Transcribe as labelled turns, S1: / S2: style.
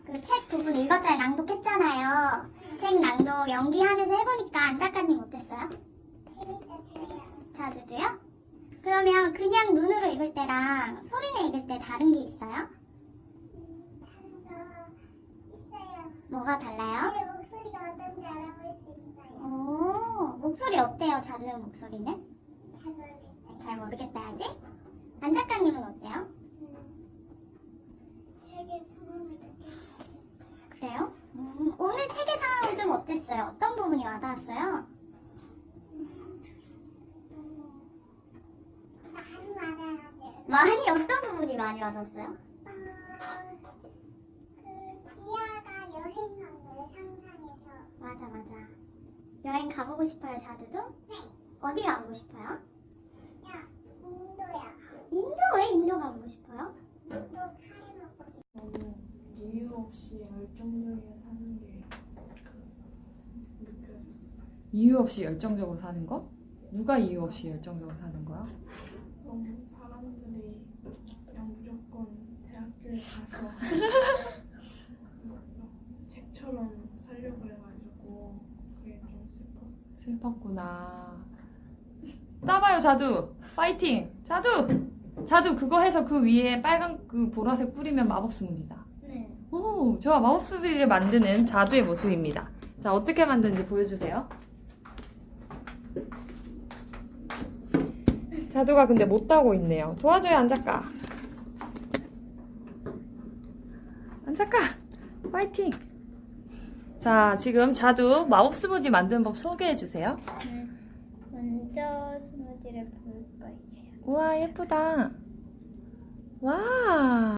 S1: 그 책 부분 읽었잖아요. 낭독했잖아요. 책 낭독 연기하면서 해보니까 안 작가님 어땠어요?
S2: 재밌었어요.
S1: 자주주요? 그러면 그냥 눈으로 읽을 때랑 소리내 읽을 때 다른 게 있어요?
S2: 다른 거 있어요.
S1: 뭐가 달라요?
S2: 제 목소리가 어떤지 알아볼 수 있어요.
S1: 오, 목소리 어때요? 자주의 목소리는?
S2: 잘 모르겠어요.
S1: 잘 모르겠다 아직? 안 작가님은 어때요?
S2: 책의 상황을 느낄 수 있었어요.
S1: 그래요? 오늘 책의 상황은 좀 어땠어요? 어떤 부분이 와닿았어요?
S2: 많이 많아요.
S1: 많이 어떤 부분이 많이 와닿았어요?
S2: 그 기아가 여행한 걸 상상해서
S1: 맞아. 여행 가보고 싶어요, 자두도?
S2: 네.
S1: 어디 가보고 싶어요?
S2: 야 인도야.
S1: 인도? 왜 인도 가보고 싶어요?
S2: 인도 카레 먹고 싶어.
S3: 저는 이유 없이 열정적이게 사는 게 느껴졌어요.
S4: 이유 없이 열정적으로 사는 거? 누가 이유 없이 열정적으로 사는 거야?
S3: 너무 사람들이 그냥 무조건 대학교에 가서 책처럼 살려고 해가지고 그게 좀 슬펐어요.
S4: 슬펐구나. 따봐요, 자두. 파이팅. 자두 그거 해서 그 위에 빨간 그 보라색 뿌리면 마법 스무디다.
S1: 네.
S4: 오, 좋아. 마법 스무디를 만드는 자두의 모습입니다. 자, 어떻게 만드는지 보여주세요. 자두가 근데 못 따고 있네요. 도와줘요, 안 작가. 안 작가, 파이팅. 자, 지금 자두 마법 스무디 만드는 법 소개해주세요.
S2: 먼저 스무디를 부을 거예요.
S4: 우와, 예쁘다. 와.